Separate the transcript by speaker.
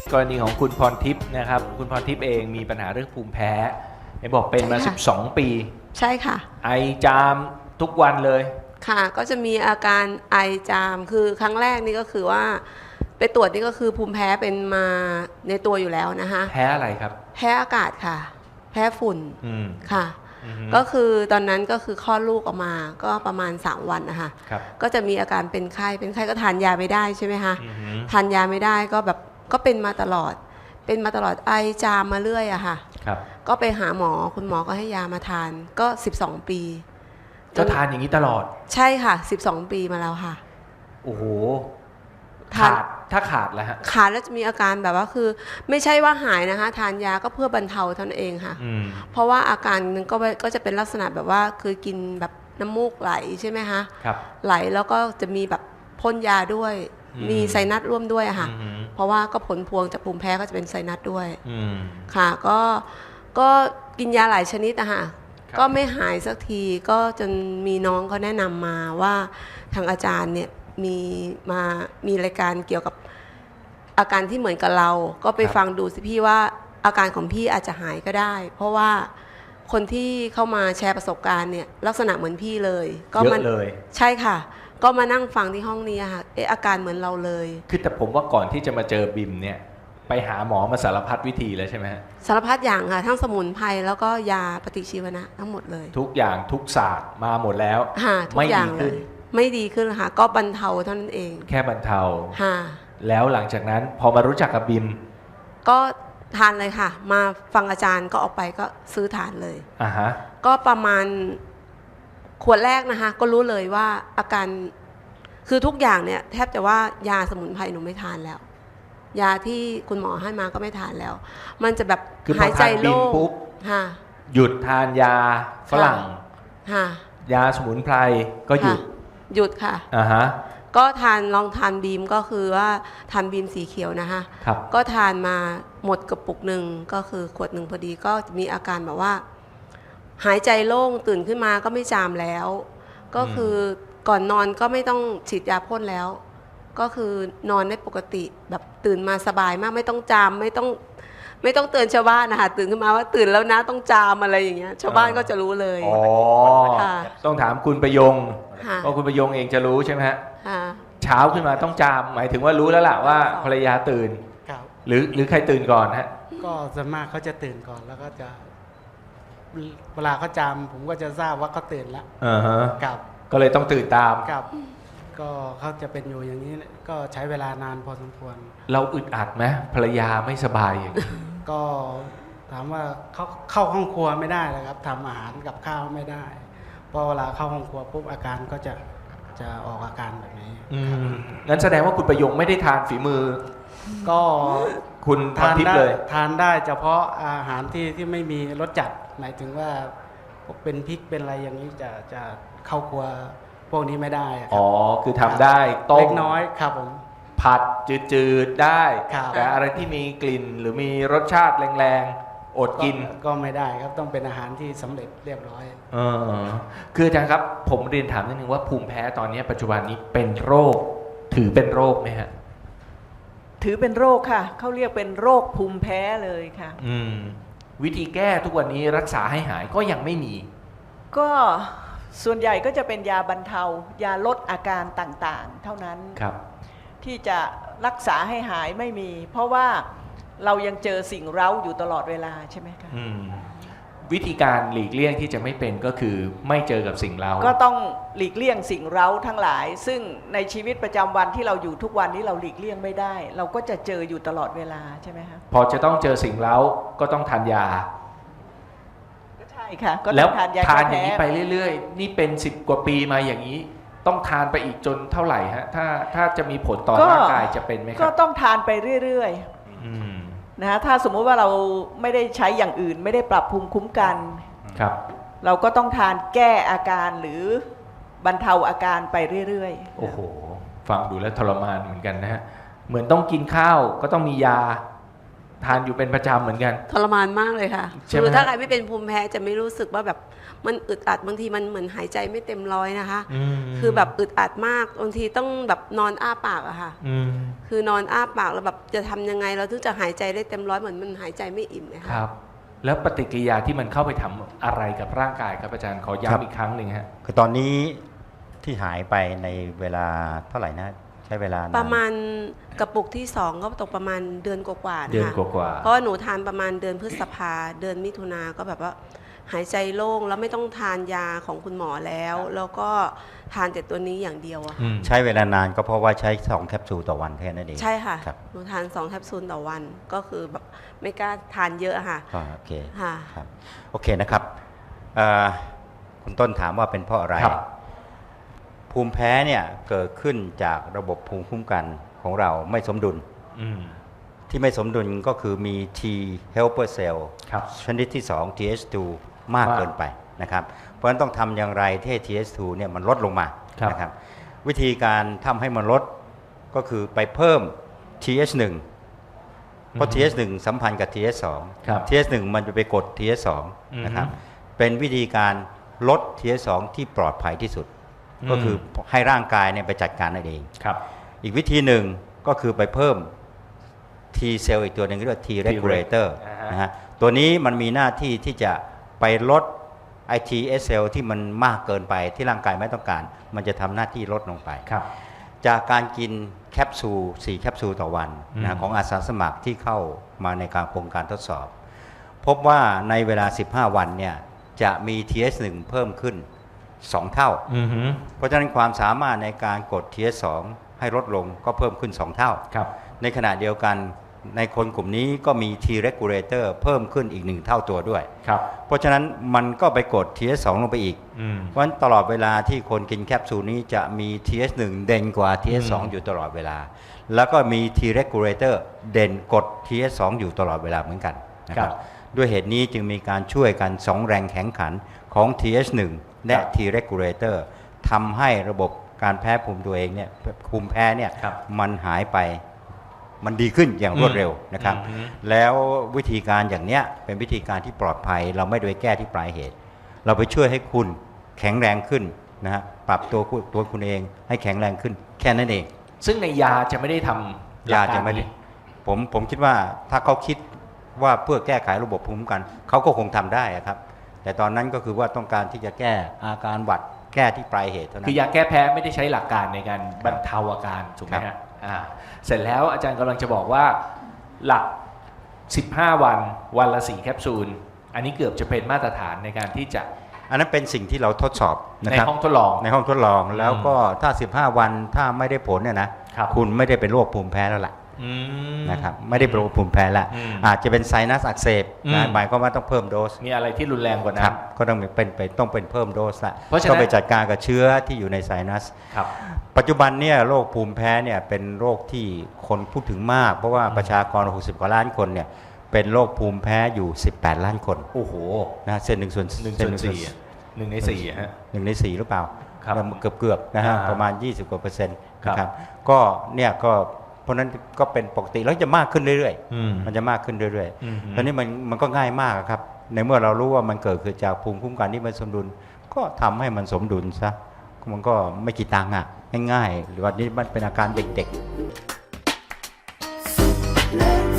Speaker 1: กรณีของคุณพรทิพย์นะครับคุณพรทิพย์เองมีปัญหาเรื่องภูมิแพ้เห็นบอกเป็นมา
Speaker 2: ใช่ค่ะ
Speaker 1: 12 ปี
Speaker 2: ใช่ค่ะ
Speaker 1: ไอจามทุกวันเลย
Speaker 2: ค่ะก็จะมีอาการไอจามคือครั้งแรกนี่ก็คือว่าไปตรวจนี่ก็คือภูมิแพ้เป็นมาในตัวอยู่แล้วนะคะ
Speaker 1: แพ้อะไรครับ
Speaker 2: แพ้อากาศค่ะแพ้ฝุ่นค่ะ
Speaker 1: อืม
Speaker 2: ก็คือตอนนั้นก็คือคลอดลูกออกมาก็ประมาณ3 วันนะคะ
Speaker 1: ครับ
Speaker 2: ก็จะมีอาการเป็นไข้ก็ทานยาไม่ได้ใช่ไหมคะ
Speaker 1: อือฮึ
Speaker 2: ทานยาไม่ได้ก็แบบก็เป็นมาตลอดไอจามมาเรื่อยอะค่ะ
Speaker 1: ครับ
Speaker 2: ก็ไปหาหมอคุณหมอก็ให้ยามาทานก็12 ปี
Speaker 1: ก็ทานอย่างนี้ตลอด
Speaker 2: ใช่ค่ะ12 ปีมาแล้วค่ะ
Speaker 1: โอ้โห
Speaker 2: ทาน
Speaker 1: ถ้าขาดแล้วฮะ
Speaker 2: ขาดแล้วจะมีอาการแบบว่าคือไม่ใช่ว่าหายนะคะทานยาก็เพื่อบรรเทาเท่านั้นเองค่ะเพราะว่าอาการนึงก็จะเป็นลักษณะแบบว่าคือกินแบบน้ำมูกไหลใช่ไหมคะ
Speaker 1: ครับ
Speaker 2: ไหลแล้วก็จะมีแบบพ่นยาด้วยมีไซนัสร่วมด้วยอะค่ะเพราะว่าก็ผลพวงจากภูมิแพ้ก็จะเป็นไซนัสด้วยค่ะก็กินยาหลายชนิดอะค่ะก็ไม่หายสักทีก็จนมีน้องเขาแนะนำมาว่าทางอาจารย์เนี่ยมีรายการเกี่ยวกับอาการที่เหมือนกับเราก็ไปฟังดูสิพี่ว่าอาการของพี่อาจจะหายก็ได้เพราะว่าคนที่เข้ามาแชร์ประสบการณ์เนี่ยลักษณะเหมือนพี่เลยก็
Speaker 1: เยอะเลย
Speaker 2: ใช่ค่ะก็มานั่งฟังที่ห้องนี้ค่ะอาการเหมือนเราเลย
Speaker 1: คือแต่ผมว่าก่อนที่จะมาเจอบิมเนี่ยไปหาหมอมาสารพัดวิธีแล้วใช่ไหมฮะ
Speaker 2: สารพัดอย่างค่ะทั้งสมุนไพรแล้วก็ยาปฏิชีวนะทั้งหมดเลย
Speaker 1: ทุกอย่างทุกศาสตร์มาหมดแล้ว
Speaker 2: ทุกอย่างเลยไม่ดีขึ้นค่ะก็บรรเทาเท่านั้นเอง
Speaker 1: แค่บรรเทา
Speaker 2: ค่ะ
Speaker 1: แล้วหลังจากนั้นพอมารู้จักกับบิม
Speaker 2: ก็ทานเลยค่ะมาฟังอาจารย์ก็ออกไปก็ซื้อทานเลย
Speaker 1: ฮะ
Speaker 2: ก็ประมาณขวดแรกนะคะก็รู้เลยว่าอาการคือทุกอย่างเนี่ยแทบจะว่ายาสมุนไพรหนูไม่ทานแล้วยาที่คุณหมอให้มาก็ไม่ทานแล้วมันจะแบบหายใจโล่ง
Speaker 1: ปุ๊บหยุดทานยาฝรั่งยาสมุนไพรก็
Speaker 2: หยุดค่ะ
Speaker 1: ฮะ
Speaker 2: ก็ลองทานบีมก็คือว่าทานบีมสีเขียวนะคะก็ทานมาหมดกระปุกหนึ่งก็คือขวดหนึ่งพอดีก็มีอาการแบบว่าหายใจโล่งตื่นขึ้นมาก็ไม่จามแล้วก็คือก่อนนอนก็ไม่ต้องฉีดยาพ่นแล้วก็คือนอนได้ปกติแบบตื่นมาสบายมากไม่ต้องจามไม่ต้องเตือนชาวบ้านนะคะตื่นขึ้นมาว่าตื่นแล้วนะต้องจามอะไรอย่างเงี้ยชาวบ้านก็จะรู้เลย
Speaker 1: ต้องถามคุณประยงเพราะคุณประยงเองจะรู้ใช่ไหมฮะเช้าขึ้นมาต้องจามหมายถึงว่ารู้แล้วล่ะว่าภรรยาตื่นหรือใครตื่นก่อนฮะ
Speaker 3: ก็ส่วนมากเขาจะตื่นก่อนแล้วก็จะเวลาเขาจามผมก็จะทราบว่าเขาตื่นแล้วครับ
Speaker 1: ก็เลยต้องตื่นตาม
Speaker 3: ครับก็เขาจะเป็นอยู่อย่างนี้ก็ใช้เวลานานพอสมควร
Speaker 1: เราอึดอัดไหมภรรยาไม่สบายอย่างนี้
Speaker 3: ก็ถามว่าเขาเข้าห้องครัวไม่ได้เลยครับทำอาหารกับข้าวไม่ได้เพราะเวลาเข้าห้องครัวปุ๊บอาการก็จะออกอาการแบบนี้
Speaker 1: งั้นแสดงว่าคุณประยงไม่ได้ทานฝีมือ
Speaker 3: ก็
Speaker 1: คุณทานเลย
Speaker 3: ทานได้เฉพาะอาหารที่ไม่มีรสจัดหมายถึงว่าเป็นพริกเป็นอะไรอย่างนี้จะเข้าครัวพวกนี้ไม่ได้
Speaker 1: คือทำได้ต้ม
Speaker 3: เล็กน้อยครับผม
Speaker 1: ผัดจืดๆได้แต่อะไรที่มีกลิ่นหรือมีรสชาติแรงๆอดกิน
Speaker 3: ก็ไม่ได้ครับต้องเป็นอาหารที่สำเร็จเรียบร้อย
Speaker 1: คืออาจารย์ครับผมเรียนถามนิดนึงว่าภูมิแพ้ตอนนี้ปัจจุบันนี้เป็นโรคถือเป็นโรคไหมฮะ
Speaker 4: ถือเป็นโรคค่ะเขาเรียกเป็นโรคภูมิแพ้เลยค่ะ
Speaker 1: วิธีแก้ทุกวันนี้รักษาให้หายก็ยังไม่มี
Speaker 4: ก็ส่วนใหญ่ก็จะเป็นยาบรรเทายาลดอาการต่างๆเท่านั้นที่จะรักษาให้หายไม่มีเพราะว่าเรายังเจอสิ่งเร้าอยู่ตลอดเวลาใช่ไหมคะ
Speaker 1: วิธีการหลีกเลี่ยงที่จะไม่เป็นก็คือไม่เจอกับสิ่งเร้า
Speaker 4: ก็ต้องหลีกเลี่ยงสิ่งเร้าทั้งหลายซึ่งในชีวิตประจำวันที่เราอยู่ทุกวันนี้เราหลีกเลี่ยงไม่ได้เราก็จะเจออยู่ตลอดเวลาใช่ไหมคะ
Speaker 1: พอจะต้องเจอสิ่งเร้าก็ต้องทานยา
Speaker 4: ใช่ค่ะก็
Speaker 1: แล้วทานอย่างนี้ไปเรื่อยๆนี่เป็น10 กว่าปีมาอย่างนี้ต้องทานไปอีกจนเท่าไหร่ฮะถ้าจะมีผลต่อร่างกายจะเป็นไหมครับ
Speaker 4: ก็ต้องทานไปเรื่อยๆนะฮะถ้าสมมุติว่าเราไม่ได้ใช้อย่างอื่นไม่ได้ปรับภูมิคุ้มกัน
Speaker 1: ครับ
Speaker 4: เราก็ต้องทานแก้อาการหรือบรรเทาอาการไปเรื่อย
Speaker 1: ๆโอ้โหฟังดูแล้วทรมานเหมือนกันนะฮะเหมือนต้องกินข้าวก็ต้องมียาทานอยู่เป็นประจำเหมือนกัน
Speaker 2: ทรมานมากเลยค่ะ
Speaker 1: ใช่ไหม
Speaker 2: คือถ้าใครไม่เป็นภูมิแพ้จะไม่รู้สึกว่าแบบมันอึดอัดบางทีมันเหมือนหายใจไม่เต็มร้อยนะคะ คือแบบอึดอัดมากบางทีต้องแบบนอนอ้าปากอะค่ะคือนอนอ้าปากแล้วแบบจะทำยังไงเราถึงจะหายใจได้เต็มร้อยเหมือนมันหายใจไม่อิ่มเลย
Speaker 1: ค
Speaker 2: ค่ะ
Speaker 1: รับ แล้วปฏิกิริยาที่มันเข้าไปทำอะไรกับร่างกายครับอาจารย์ขอ
Speaker 5: ครับ
Speaker 1: ย้ำอีกครั้งหนึ่งฮะ
Speaker 5: คือตอนนี้ที่หายไปในเวลาเท่าไหร่นะใช้เวลานาน
Speaker 2: ประมาณกระปุกที่2ก็ตกประมาณเดือนกว่าๆนะคะ
Speaker 1: เดือนกว่าๆ
Speaker 2: เพราะว่าหนูทานประมาณเดือนพฤษภาเดือนมิถุนาก็แบบว่าหายใจโล่งแล้วไม่ต้องทานยาของคุณหมอแล้ว แล้วก็ทานแต่ตัวนี้อย่างเดียวอะ
Speaker 5: ใช้เวลานานก็เพราะว่าใช้2แคปซูลต่อวันแค่นั้นเอง
Speaker 2: ใช่ค่ะ
Speaker 5: ครับ
Speaker 2: หนูทาน2แคปซูลต่อวันก็คือแบบไม่กล้าทานเยอะอะค่ะ
Speaker 5: ก็โอเค
Speaker 2: ค่ะ
Speaker 5: ครับโอเคนะครับคุณต้นถามว่าเป็นเพราะอะไร
Speaker 1: ครับ
Speaker 5: ภูมิแพ้เนี่ยเกิดขึ้นจากระบบภูมิคุ้มกันของเราไม่สมดุล
Speaker 1: อืม
Speaker 5: ที่ไม่สมดุลก็คือมี T helper cell
Speaker 1: ครับ
Speaker 5: ชนิดที่ 2 TH2 มากเกินไปนะครับเพราะฉะนั้นต้องทำอย่างไรที่ให้ TH2 เนี่ยมันลดลงมา
Speaker 1: ครับ
Speaker 5: นะครับวิธีการทำให้มันลดก็คือไปเพิ่ม TH1 เพราะ TH1 สัมพันธ์กับ TH2
Speaker 1: ครับ
Speaker 5: TH1 มันจะไปกด TH2 นะครับเป็นวิธีการลด TH2 ที่ปลอดภัยที่สุด ก็คือให้ร่างกายเนี่ยไปจัดการนั่นเอง
Speaker 1: ครับ
Speaker 5: อีกวิธีหนึ่งก็คือไปเพิ่ม T เซลล์อีกตัวหนึ่งเรียกว่า T regulator นะฮะตัวนี้มันมีหน้าที่ที่จะไปลด ITS เซลล์ที่มันมากเกินไปที่ร่างกายไม่ต้องการ มันจะทำหน้าที่ลดลงไป
Speaker 1: ครับ
Speaker 5: จากการกินแคปซูล4แคปซูลต่อวันนะของอาสาสมัครที่เข้ามาในการโครงการทดสอบ พบว่าในเวลา 15 วันเนี่ยจะมี TH1 เพิ่มขึ้น 2 เท่า
Speaker 1: อือฮึ
Speaker 5: เพราะฉะนั้นความสามารถในการกด TH2 ให้ลดลงก็เพิ่มขึ้น 2 เท่า
Speaker 1: ครับ
Speaker 5: ในขณะเดียวกันในคนกลุ่มนี้ก็มี T regulator เพิ่มขึ้นอีก 1 เท่าตัวด้วย
Speaker 1: ครับ
Speaker 5: เพราะฉะนั้นมันก็ไปกด TH2 ลงไปอีก
Speaker 1: อืม
Speaker 5: เพราะฉะนั้นตลอดเวลาที่คนกินแคปซูลนี้จะมี TH1 เด่นกว่า TH2 อยู่ตลอดเวลา แล้วก็มี T regulator เด่นกด TH2 อยู่ตลอดเวลาเหมือนกันนะครับด้วยเหตุนี้จึงมีการช่วยกัน 2 แรงแข่งขันของ TH1 และ T regulator ทำให้ระบบการแพ้ภูมิตัวเองเนี่ยภูมิแพ้เนี่ย
Speaker 1: ครับ
Speaker 5: มันหายไปมันดีขึ้นอย่างรวดเร็วนะครับ แล้ววิธีการอย่างเนี้ยเป็นวิธีการที่ปลอดภัยเราไม่ได้ไปแก้ที่ปลายเหตุ เราไปช่วยให้คุณแข็งแรงขึ้นนะฮะปรับตัวคุณเองให้แข็งแรงขึ้นแค่นั้นเอง
Speaker 1: ซึ่งในยาจะไม่ได้ทำ
Speaker 5: ยาจะไม่ได้ผมคิดว่าถ้าเขาคิดว่าเพื่อแก้ไขระบบภูมิคุ้มกันเขาก็คงทำได้อะครับ แต่ตอนนั้นก็คือว่าต้องการที่จะแก้อาการหวัดแก้ที่ปลายเหตุเท่านั้
Speaker 1: คื
Speaker 5: น
Speaker 1: อยาแก้แพ้ไม่ได้ใช้หลักการในการบรรเทาอาการถูกไหม
Speaker 5: ครั
Speaker 1: ฮะ
Speaker 5: บ
Speaker 1: เสร็จแล้วอาจารย์กำลังจะบอกว่าหลัก 15 วันละ 4 แคปซูล อันนี้เกือบจะเป็นมาตรฐานในการที่จะ
Speaker 5: อันนั้นเป็นสิ่งที่เราทดสอบนะ
Speaker 1: ใน
Speaker 5: ครับ
Speaker 1: ห้องทดลอง
Speaker 5: ในห้องทดลองแล้วก็ถ้า 15 วันถ้าไม่ได้ผลเนี่ยนะครับ คุณไม่ได้เป็นโรคภูมิแพ้แล้วล่ะ
Speaker 1: อืม
Speaker 5: นะครับไม่ได้เป็นโรคภูมิแพ้แล้ว
Speaker 1: อืม
Speaker 5: อาจจะเป็นไซนัสอักเสบ
Speaker 1: อืม
Speaker 5: นะหมายความว่าต้องเพิ่มโดส
Speaker 1: มีอะไรที่รุนแรงกว่า
Speaker 5: ค
Speaker 1: นั้
Speaker 5: รั
Speaker 1: น
Speaker 5: บก็ต้องเป็นเพิ่มโดสละ
Speaker 1: เพราะฉะนั้น
Speaker 5: ก็ไปจัดการกับเชื้อที่อยู่ในไซนัส
Speaker 1: ครับ
Speaker 5: ปัจจุบันเนี่ยโรคภูมิแพ้เนี่ยเป็นโรคที่คนพูดถึงมาก เพราะว่าประชากร 60 กว่าล้านคนเนี่ยเป็นโรคภูมิแพ้อยู่ 18 ล้านคน
Speaker 1: โอ้โห
Speaker 5: นะเส้น1 ส่วน
Speaker 1: 1
Speaker 5: เส้
Speaker 1: ส่
Speaker 5: น
Speaker 1: วน
Speaker 5: 1
Speaker 1: 4อะ1 ใน 4อะฮะ
Speaker 5: 1 ใน 4 หรือเปล่า
Speaker 1: ครับ
Speaker 5: เกือบนะฮะ
Speaker 1: อ่า
Speaker 5: ประมาณ 20 กว่า%น
Speaker 1: ครับ
Speaker 5: นะครับก็เนี่ยก็เพราะนั้นก็เป็นปกติแล้วจะมากขึ้นเรื่อย
Speaker 1: อืม
Speaker 5: ๆมันจะมากขึ้นเรื่อย
Speaker 1: อืม
Speaker 5: ๆตอนนี้มันก็ง่ายมากครับในเมื่อเรารู้ว่ามันเกิดขึ้นจากภูมิคุ้มกันที่มันสมดุลก็ทำให้มันสมดุลซะมันก็ไม่กี่ตังค์อ่ะง่ายๆหรือว่านี่มันเป็นอาการเด็กๆ